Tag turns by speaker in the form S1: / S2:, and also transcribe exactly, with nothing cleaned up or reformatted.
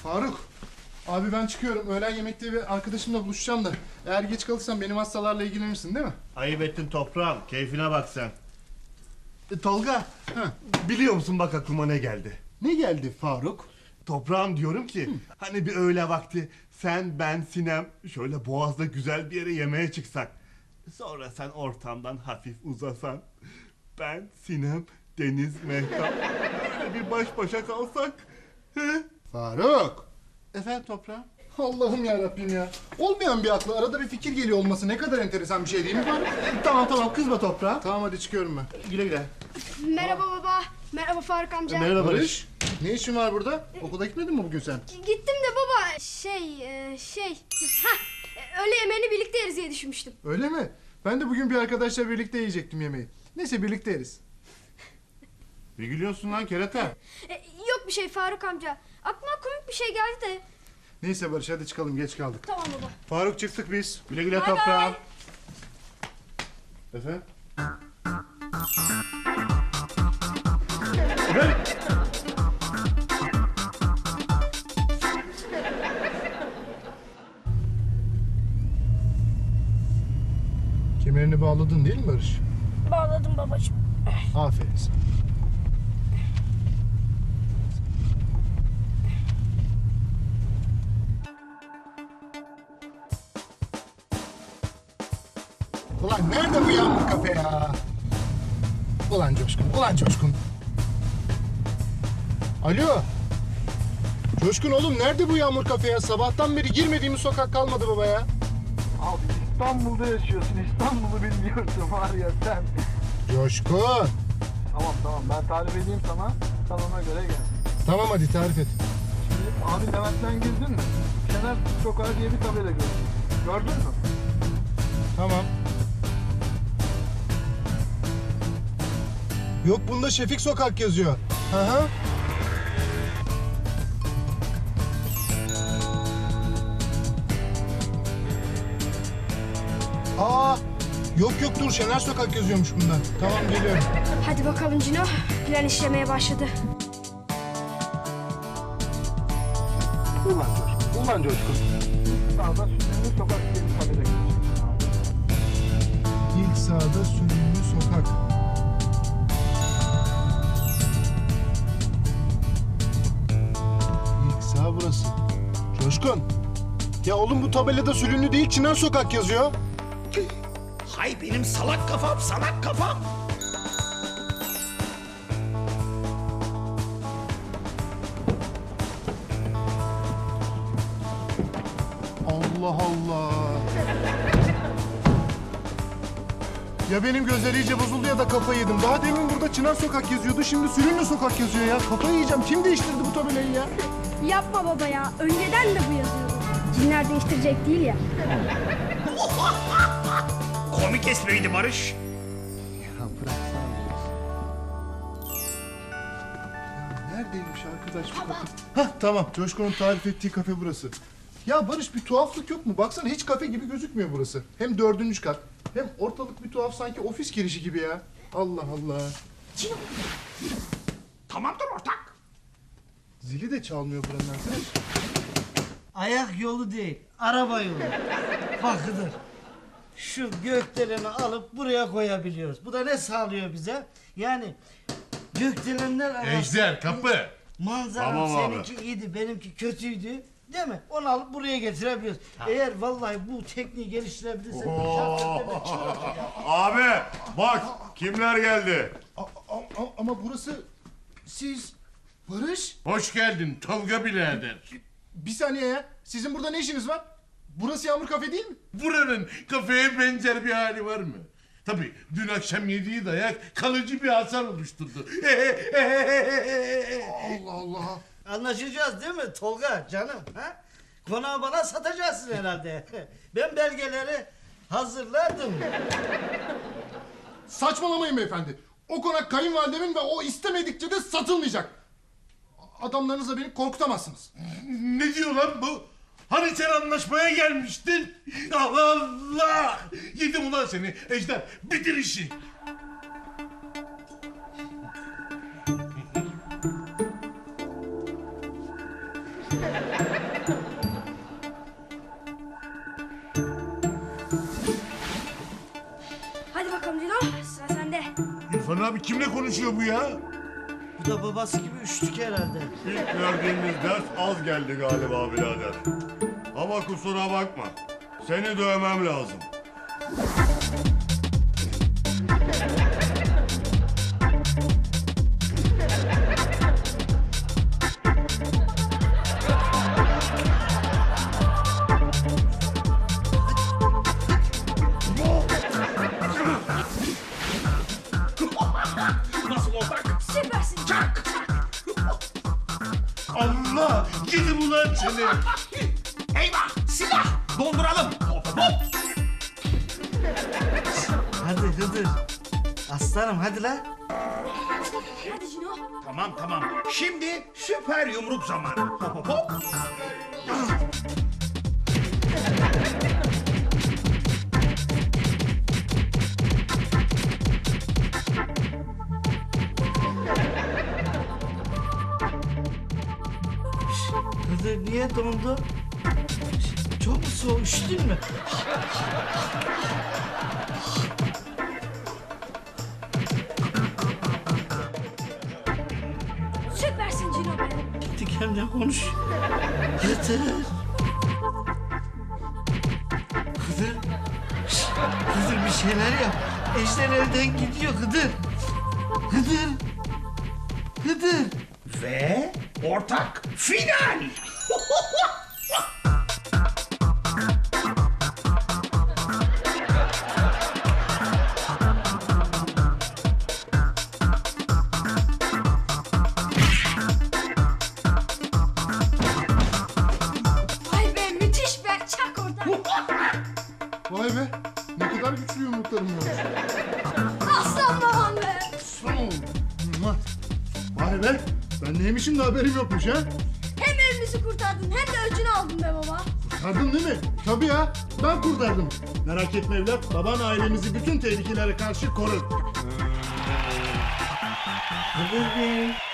S1: Faruk. Abi ben çıkıyorum. Öğlen yemekte bir arkadaşımla buluşacağım da. Eğer geç kalırsan benim hastalarla ilgilenirsin değil mi?
S2: Ayıp ettin toprağım. Keyfine bak sen. E, Tolga,
S1: Heh.
S2: biliyor musun bak aklıma ne geldi?
S1: Ne geldi Faruk?
S2: Toprağım diyorum ki, hani bir öğle vakti sen, ben, Sinem şöyle Boğaz'da güzel bir yere yemeğe çıksak. Sonra sen ortamdan hafif uzasan. Ben, Sinem, Deniz, Mehtap böyle bir baş başa kalsak. He?
S1: Faruk.
S2: Efendim toprağım?
S1: Allah'ım ya Rabbim ya. Olmayan bir aklı arada bir fikir geliyor olması ne kadar enteresan bir şey değil mi Faruk?
S2: Tamam tamam kızma toprağım.
S1: Tamam hadi çıkıyorum ben.
S2: Güle güle.
S3: Merhaba baba. Merhaba Faruk amca.
S2: Merhaba Barış.
S1: Barış. Ne işin var burada? Okula gitmedin mi bugün sen?
S3: Gittim de baba şey e, şey ha öğle yemeğini birlikte yeriz diye düşünmüştüm.
S1: Öyle mi? Ben de bugün bir arkadaşla birlikte yiyecektim yemeği. Neyse birlikte yeriz.
S2: Ne gülüyorsun lan kerata?
S3: E, yok bir şey Faruk amca. Aklıma komik bir şey geldi de.
S1: Neyse Barış hadi çıkalım geç kaldık.
S3: Tamam baba.
S1: Faruk çıktık biz.
S2: Güle güle
S3: Bay
S2: toprağım.
S3: bay.
S1: Efendim? Kemerini bağladın değil mi Barış?
S3: Bağladım babacığım.
S1: Aferin sana. Ulan nerede bu yağmur kafe ya? Ulan Coşkun, ulan Coşkun. Alo. Coşkun oğlum nerede bu yağmur kafe ya? Sabahtan beri girmediğimiz sokak kalmadı baba ya.
S4: Abi İstanbul'da yaşıyorsun. İstanbul'u bilmiyorsun var ya sen.
S1: Coşkun.
S4: Tamam tamam ben tarif edeyim sana. Sen ona göre gel.
S1: Tamam hadi tarif et.
S4: Şimdi abi Levent'ten girdin mi? Şener Sokağı diye bir tabela gördün. Gördün mü?
S1: Tamam. Yok bunda Şefik Sokak yazıyor. Hı hı. Aa, yok yok dur Şener Sokak yazıyormuş bunda. Tamam geliyorum.
S3: Hadi bakalım Cino. Plan işlemeye başladı.
S4: Ulan Coşkun. Ulan Coşkun. Sağda Sünni Sokak diye bir tabela gördün.
S1: İlk sağda Sürümlü Sokak. İlk sağ burası. Coşkun. Ya oğlum bu tabelada Sülünlü değil Çınar Sokak yazıyor.
S5: Hay benim salak kafam, salak kafam.
S1: Allah Allah. Ya benim gözler iyice bozuldu ya da kafayı yedim. Daha demin burada Çınar Sokak yazıyordu. Şimdi Sülünlü Sokak yazıyor ya. Kafayı yiyeceğim. Kim değiştirdi bu tabelayı ya?
S3: Yapma baba ya. Önceden de bu yazıyordu. Cinler değiştirecek değil ya.
S5: Komik espriydi Barış.
S1: Ya bıraksana biraz. Ya neredeymiş arkadaş bu kafe? Hah tamam. Coşkun'un tarif ettiği kafe burası. Ya Barış bir tuhaflık yok mu? Baksana hiç kafe gibi gözükmüyor burası. Hem dördüncü kat. Hem ortalık bir tuhaf sanki ofis girişi gibi ya. Allah Allah.
S5: Tamamdır ortak.
S1: Zili de çalmıyor buranın arkadaş.
S6: Ayak yolu değil, araba yolu. Bakıdır. Şu gökdeleni alıp buraya koyabiliyoruz. Bu da ne sağlıyor bize? Yani gökdelenler arasında...
S2: Ejder kapı.
S6: Manzara
S2: Tamam abi.
S6: seninki iyiydi, benimki kötüydü. Değil mi? Onu alıp buraya getirebiliyoruz. Eğer vallahi bu tekniği geliştirebilirsek... şarkılarla çıkarız ya.
S2: Abi bak kimler geldi.
S1: A- a- a- ama burası siz Barış.
S2: Hoş geldin Tolga birader.
S1: Bir saniye ya. Sizin burada ne işiniz var? Burası Yağmur Kafe değil mi?
S2: Buranın kafeye benzer bir hali var mı? Tabii dün akşam yediği dayak kalıcı bir hasar oluşturdu.
S1: Allah Allah.
S6: Anlaşacağız değil mi Tolga canım? Ha? Konağı bana satacaksın herhalde. Ben belgeleri hazırladım.
S1: Saçmalamayın beyefendi. O konak kayınvalidemin ve o istemedikçe de satılmayacak. Adamlarınızla beni korkutamazsınız.
S2: Ne diyor lan bu? Hani sen anlaşmaya gelmiştin? Allah Allah! Yedim ulan seni Ejder. Bitir işi.
S3: Hadi bakalım Cino, sıra sende.
S2: İrfan abi kimle konuşuyor bu ya?
S6: Bu da babası gibi üştük herhalde.
S2: İlk verdiğimiz ders az geldi galiba birader. Ama kusura bakma. Seni dövmem lazım.
S5: Nasıl ortak?
S3: Süpersin.
S5: Çak!
S2: Allah! Yedim ulan seni!
S5: Eyvah! Silah! Donduralım! Hop hop!
S6: Hadi Hıdır. Aslanım hadi la.
S3: Hadi Cino.
S5: Tamam tamam. Şimdi süper yumruk zamanı. Hop hop hop!
S6: Hıdır niye dondu? Çok mu soğuk, üşüdün mü?
S3: Süpersin Cino be.
S6: Gittik hem de konuş. Yeter. Hıdır. Şşt, Hıdır bir şeyler yap. Ejder elden gidiyor Hıdır. Hıdır. Hıdır.
S5: Ve ortak final!
S3: Vay be, müthiş be. Çak oradan.
S1: Vay be. Ne kadar güçlü yumruklarım var.
S3: Aslan babam be.
S1: Mua. Vay be. Ben neymişim de haberim yokmuş ha.
S3: Hem evimizi kurtardın hem de öcünü aldın be baba.
S1: Kurtardın değil mi? Tabii ya. Ben kurtardım. Merak etme evlat. Baban ailemizi bütün tehlikelere karşı korur.
S6: Hıdır Bey.